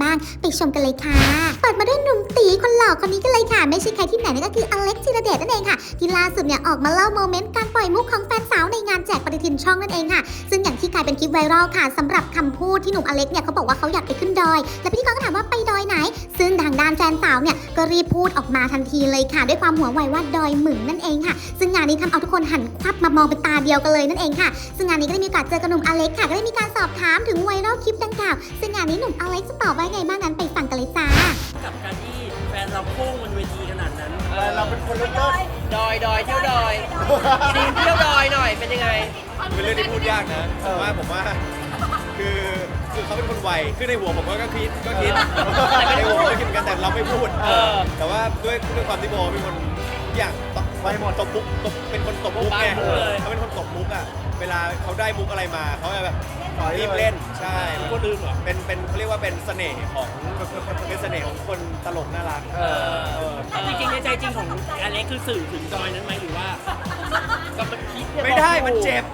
บ้างไปชมกันเลยค่ะเปิดมาด้วยหนุ่มตีคนหล่อคนนี้กันเลยค่ะไม่ใช่ใครที่ไหนนั่นก็คืออเล็กธีรเดชนั่นเองค่ะที่ล่าสุดเนี่ยออกมาเล่าโมเมนต์การปล่อยมุกของแฟนสาวในงานแจกปฏิทินช่องนั่นเองค่ะซึ่งอย่างที่กลายเป็นคลิปไวรัลค่ะสำหรับคำพูดที่หนุ่มอเล็กเนี่ยเขาบอกว่าเขาอยากไปขึ้นดอยและพิธีกรก็ถามว่าไปดอยไหนซึ่งทางด้านแฟนสาวเนี่ยก็รีบพูดออกมาทันทีเลยค่ะด้วยความหัวไวว่าดอยหมึงนั่นเองค่ะซึ่งงานนี้ทำเอาทุกคนหันควับมามองเป็นตาเดียวกันเลยนั่นเองค่ะซึ่งงานนี้ก็ได้มีโอกาสเจอกับหนุ่มอเล็กค่ะก็ได้มีการสอบถามถึงไวรัลคลิปดังกล่าวซึ่งงานนี้หนุ่มอเล็กจะตอบว่าไงบ้างนั้นไปฟังกันเลยจ้ากับการที่แฟนเราพุ่งบนเวทีขนาดนั้นเราเป็นคนเริ่มต้นดอยเที่ยวดอยทีมเที่ยวดอยหน่อยเป็นยังไงเป็นเรื่องที่พูดยากนะผมว่าคือเขาเป็นคนไวคือในหัวผมก็คิดในหัวก็คิดเหมือนกันแต่เราไม่พูดแต่ว่าด้วยความที่โบเป็นคนอย่างไวหมดตบมุกเป็นคนตบมุกไงเขาเป็นคนตบมุกอ่ะเวลาเขาได้มุกอะไรมาเขาจะแบบรีบเล่นใช่ก็ลืมเหรอเป็นเขาเรียกว่าเป็นเสน่ห์ของคนตลกน่ารักจริงๆในใจจริงของอเล็กคือสื่อถึงดอยนั้นไหมหรือว่าก็มันคิดไม่ได้มันเจ็บ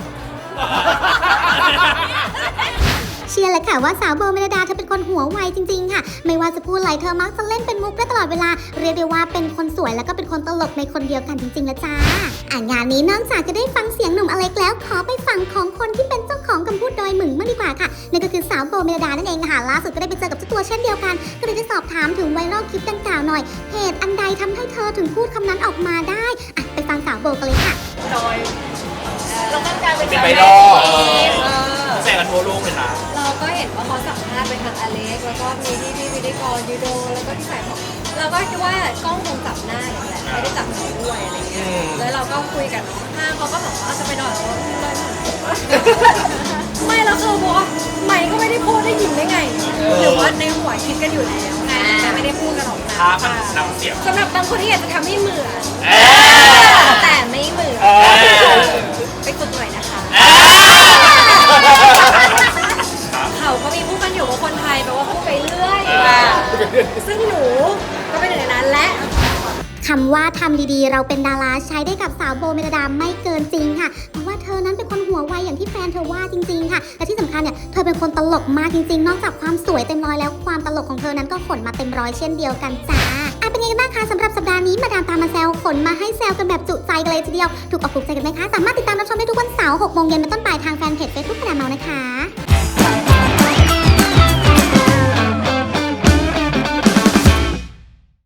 เชื่อเลยค่ะว่าสาวโบเมลดาเธอเป็นคนหัวไวจริงๆค่ะไม่ว่าจะพูดอะไรเธอมักจะเล่นเป็นมุกได้ตลอดเวลาเรียกได้ว่าเป็นคนสวยแล้วก็เป็นคนตลกในคนเดียวกันจริงๆนะจ้างานนี้นอกจากจะได้ฟังเสียงหนุ่มอเล็กแล้วขอไปฟังของคนที่เป็นเจ้าของคำพูดดอยหมึงมากดีกว่าค่ะนั่นก็คือสาวโบเมลดานั่นเองค่ะล่าสุดก็ได้ไปเจอกับเจ้าตัวเช่นเดียวกันก็เลยได้สอบถามถึงไวรัลคลิปดังกล่าวหน่อยเหตุอันใดทำให้เธอถึงพูดคำนั้นออกมาได้ไปฟังสาวโบกันเลยค่ะดอยเราตั้งใจเป็นไวรัลแซงกันทั่วโลกเลยนะเราก็เห็นว่าเขาสัมภาษณ์เป็นทางอเล็กแล้วก็มีที่พิธีกรยูโดแล้วก็ที่ใส่ของเราก็คิดว่ากล้องคงจับหน้าอย่างแหละไม่ได้จับหนูด้วยอะไรเงี้ยแล้วเราก็คุยกันห้างเขาก็บอกว่าจะไปนอนไม่แล้วคือบอกว่าใหม่ก็ไม่ได้พูดได้ยินได้ไงหรือว่าในหัวคิดกันอยู่แล้วไงแต่ไม่ได้พูดกันออกมาน้ำเสียงสำหรับบางคนที่อยากจะทำให้เหมือนแต่ไม่เหมือนไปฝึกหน่อยนะคะเขาก็มีพูดกันอยู่ว่าคนไทยแปลว่าพูดไปเรื่อยซึ่งหนูก็เป็นหนึ่งในนั้นและคำว่าทำดีๆเราเป็นดาราใช้ได้กับสาวโบเมลดาไม่เกินจริงค่ะเพราะว่าเธอนั้นเป็นคนหัวไวอย่างที่แฟนเธอว่าจริงๆค่ะและที่สำคัญเนี่ยเธอเป็นคนตลกมากจริงๆนอกจากความสวยเต็มร้อยแล้วความตลกของเธอนั้นก็ขนมาเต็มร้อยเช่นเดียวกันจ้าเป็นไงกันบ้างคะสำหรับสัปดาห์นี้มาดามตามมาแซวขนมาให้แซวกันแบบจุใจกันเลยทีเดียวถูกอกถูกใจกันไหมคะสามารถติดตามรับชมได้ทุกวันเสาร์ 6 โมงเย็นเป็นต้นไปทางแฟนเพจ Facebook มาดามเมานะคะ